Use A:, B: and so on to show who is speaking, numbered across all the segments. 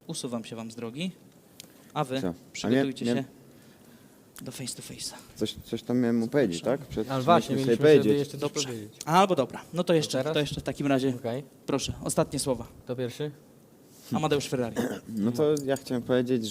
A: usuwam się wam z drogi, a wy
B: Co?
A: przygotujcie
B: nie-
A: się do face to face'a.
B: Coś tam miałem mu powiedzieć, tak?
C: Ale właśnie,
B: mieliśmy
C: mieliśmy sobie jeszcze coś
A: Dobrze.
C: powiedzieć.
A: Albo dobra, no to jeszcze
C: teraz?
A: w takim razie,
C: Okej,
A: proszę, ostatnie słowa.
C: to pierwszy?
A: Amadeusz Ferrari.
B: No to ja chciałem powiedzieć,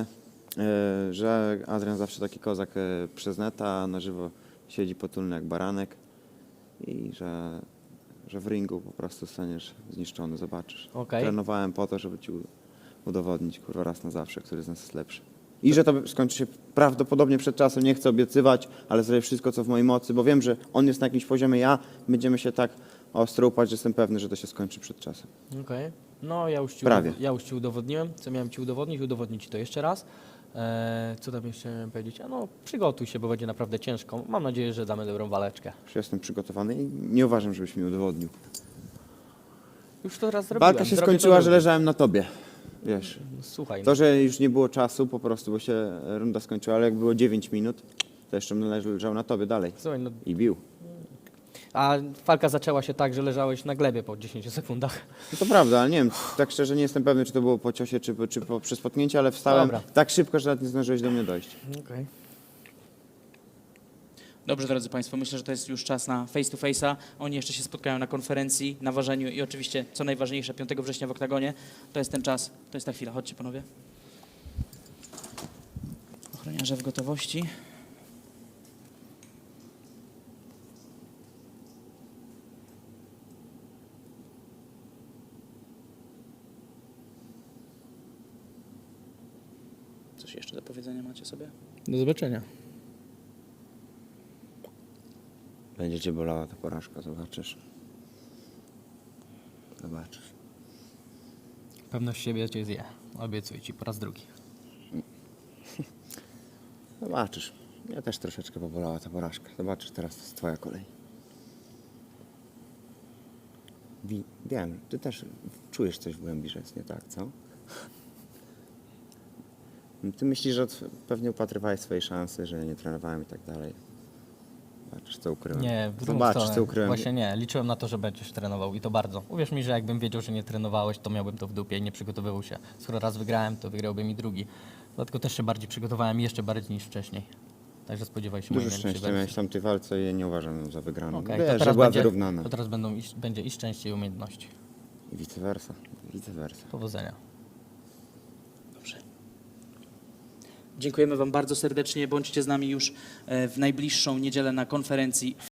B: że Adrian zawsze taki kozak przez neta, na żywo siedzi potulny jak baranek i że w ringu po prostu staniesz zniszczony, zobaczysz.
C: Okej.
B: Trenowałem po to, żeby ci udowodnić, kurwa, raz na zawsze, który z nas jest lepszy. I że to skończy się prawdopodobnie przed czasem, nie chcę obiecywać, ale zrobię wszystko, co w mojej mocy, bo wiem, że on jest na jakimś poziomie, będziemy się tak ostro upać, że jestem pewny, że to się skończy przed czasem.
C: Okej. No
B: Prawie.
C: Ja już ci udowodniłem, co miałem ci udowodnić, udowodnić ci to jeszcze raz. Co tam jeszcze miałem powiedzieć? No przygotuj się, bo będzie naprawdę ciężko. Mam nadzieję, że damy dobrą waleczkę.
B: Już jestem przygotowany i nie uważam, żebyś mi udowodnił.
C: Już to raz zrobiłem.
B: Walka się
C: Zrobię to
B: skończyła, że
C: drugi.
B: leżałem na tobie, wiesz.
C: No, słuchaj,
B: To, że już nie było czasu po prostu, bo się runda skończyła, ale jak było 9 minut, to jeszcze bym leżał na tobie dalej
C: słuchaj, no,
B: i bił.
C: a walka zaczęła się tak, że leżałeś na glebie po 10 sekundach.
B: No to prawda, ale nie wiem, tak szczerze nie jestem pewny, czy to było po ciosie, czy przy spotknięciu, ale wstałem
C: Dobra.
B: tak szybko, że nawet nie zdążyłeś do mnie dojść.
C: Okej.
A: Dobrze, drodzy Państwo, myślę, że to jest już czas na face to face'a. Oni jeszcze się spotkają na konferencji, na ważeniu i oczywiście, co najważniejsze, 5 września w Oktagonie. To jest ten czas, to jest ta chwila. Chodźcie, panowie. Ochroniarze w gotowości. Coś jeszcze do powiedzenia macie sobie?
C: Do zobaczenia.
B: Będzie cię bolała ta porażka, zobaczysz. Zobaczysz.
C: Pewność siebie cię zje. Obiecuję ci po raz drugi.
B: Zobaczysz. Mnie też troszeczkę pobolała ta porażka. Zobaczysz, teraz to jest twoja kolej. Wiem, ty też czujesz coś w głębi, że jest nie tak, co? Ty myślisz, że pewnie upatrywałeś swojej szansy, że nie trenowałem i tak dalej. Zobaczysz, co ukryłem.
C: Nie, w drugą
B: Zobaczysz,
C: stronę.
B: co ukryłem.
C: Właśnie nie, liczyłem na to, że będziesz trenował i to bardzo. Uwierz mi, że jakbym wiedział, że nie trenowałeś, to miałbym to w dupie i nie przygotowywał się. Skoro raz wygrałem, to wygrałbym i drugi. Dlatego też się bardziej przygotowałem, jeszcze bardziej niż wcześniej. Także spodziewaj się
B: Dużo
C: mojej najlepszej
B: szczęścia miałeś
C: wersji.
B: w tamtej walce i ja nie uważam ją za wygraną.
C: Okej,
B: Wiesz,
C: to
B: że
C: teraz
B: była
C: będzie,
B: wyrównana.
C: to teraz będzie i szczęście, i umiejętności.
B: I vice versa. Vice versa.
C: Powodzenia.
A: Dobrze. Dziękujemy Wam bardzo serdecznie. Bądźcie z nami już w najbliższą niedzielę na konferencji.